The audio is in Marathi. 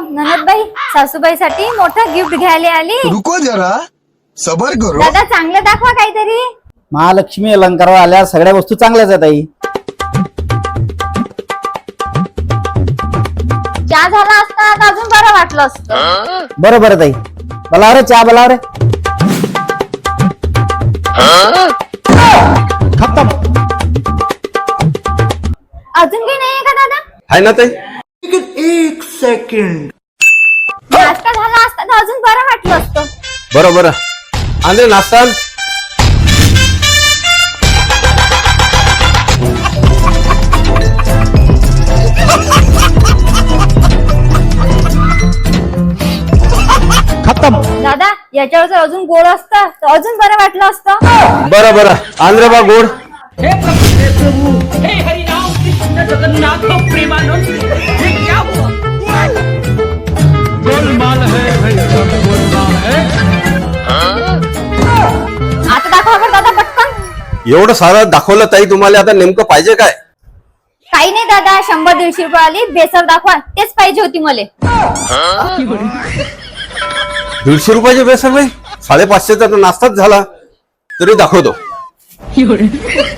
ननदबाई सासूबाईसाठी मोठं गिफ्ट घ्यायला आली. रुको जरा सबर करो. दादा चांगलं दाखवा काहीतरी. महालक्ष्मी अलंकार आल्या सगळ्या वस्तू चांगल्याच आहेत आई. चहा झाला असता तर अजून बरं वाटलं असतं. बरं बरं ताई, बोलाव रे चहा, बोलाव रे. खतम. अजून काही नाहीये का दादा? आहे ना ताई. एक सेकंड. नाश्ता झाला असता तर अजून बरं वाटलं असतं. बरं बरं आंधळे नाश्ता. खतम. दादा याच्यावर जर अजून गोड असतं तर अजून बरं वाटलं असतं. बरं बरं आंध्रे बा गोड. हे प्रभु हे हरिनाम कृष्ण जगन्नाथ प्रेमानंद, ये क्या हुआ? गोलमाल है भाई, सब गोलमाल है. आता दाखवा बरं दादा पटकन. एवढं सारं दाखवलं ताई, तुम्हाला आता नेमकं पाहिजे काय? काही नाही दादा, 100-150 रुपये आली बेसर दाखवा, तेच पाहिजे होती मला. 150 रुपयाचे बेसन बाई, 550चा तर नाश्ताच झाला तरी दाखवतो.